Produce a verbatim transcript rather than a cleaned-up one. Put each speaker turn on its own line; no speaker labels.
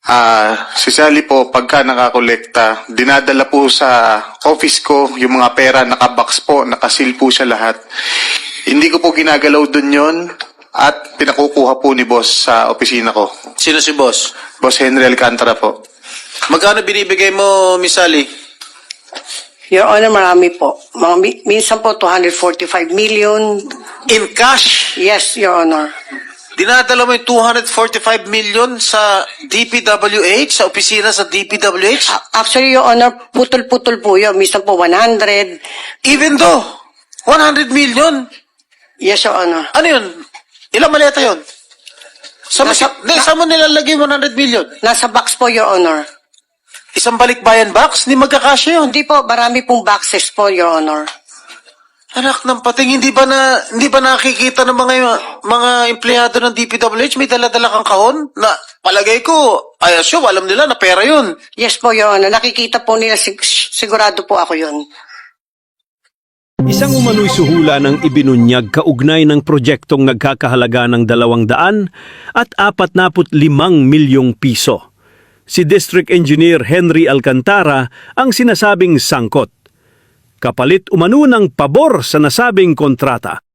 Ah, si Sally po, pagka nakakolekta, dinadala po sa office ko yung mga pera, nakabox po, nakasil po siya lahat. Hindi ko po ginagalaw dun yon at pinakukuha po ni boss sa opisina ko.
Sino si boss?
Boss Henry Alcantara po.
Magkano binibigay mo, Miss Sally?
Your Honor, marami po. Mga, mi- minsan po, two hundred forty-five million.
In cash?
Yes, Your Honor.
Dinadala mo yung two hundred forty-five million sa D P W H, sa opisina sa D P W H?
A- Actually, Your Honor, putol-putol po yun. Minsan po, one hundred.
Even though, one hundred million?
Yes, Your Honor.
Ano yun? Ilang maleta yun? Sa,
Nasa-
sa, na, saan mo nilalagay one hundred million?
Nasa box po, Your Honor.
Isang balikbayan box? Hindi magkakasya yun.
Hindi po, marami pong boxes po, Your Honor.
Anak ng pating, hindi ba na hindi ba nakikita ng mga mga empleyado ng D P W H may dala-dala kang kahon na palagay ko ay assume alam nila na pera yun.
Yes po, Your Honor. Nakikita po nila, sig- sigurado po ako yun.
Isang umano'y suhula ng ibinunyag kaugnay ng proyektong nagkakahalaga ng dalawang daan at apat na limang milyong piso. Si District Engineer Henry Alcantara ang sinasabing sangkot. Kapalit umano ng pabor sa nasabing kontrata.